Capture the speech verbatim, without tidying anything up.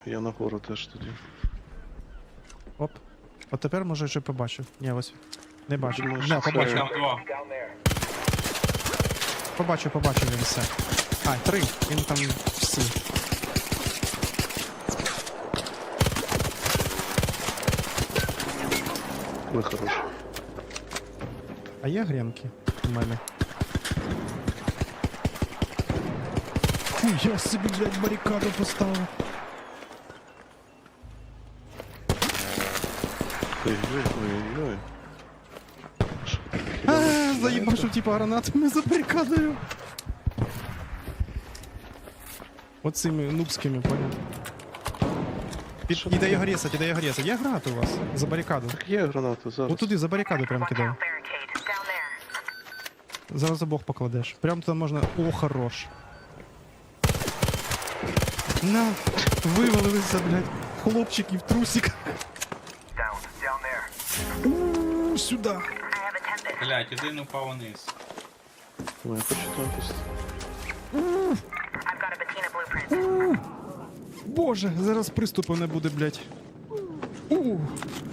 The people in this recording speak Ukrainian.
Я нагору теж тоді. Оп. От тепер може вже побачив. Ні, ось. Не бачу. Думаю, Не, що це- побачив. Там два. Побачив, побачив він все. А, три. Він там всі. Ви хороші. А є гренки у мене? Фу, я собі, блядь, барикаду поставив. Ой-ой-ой-ой. А, заїбашу, типа, гранатами за барикадою. Оцими нубськими, понял? Під... Що Іде таке? його рісать, іде його рісать. Є гранати у вас? За барикаду. Так є гранати зараз. От туди, за барикаду прям кидаю. Barricade down there. Зараз обох покладеш. Прям туди можна. О, хорош. На, вивалилися, блядь. Хлопчики в трусиках. Down, down there. У, сюди. I have attended. Блять, один упав вниз. Ой, я почитаю просто. I've got a Bettina blueprint. Боже, зараз приступу не буде, блядь. У,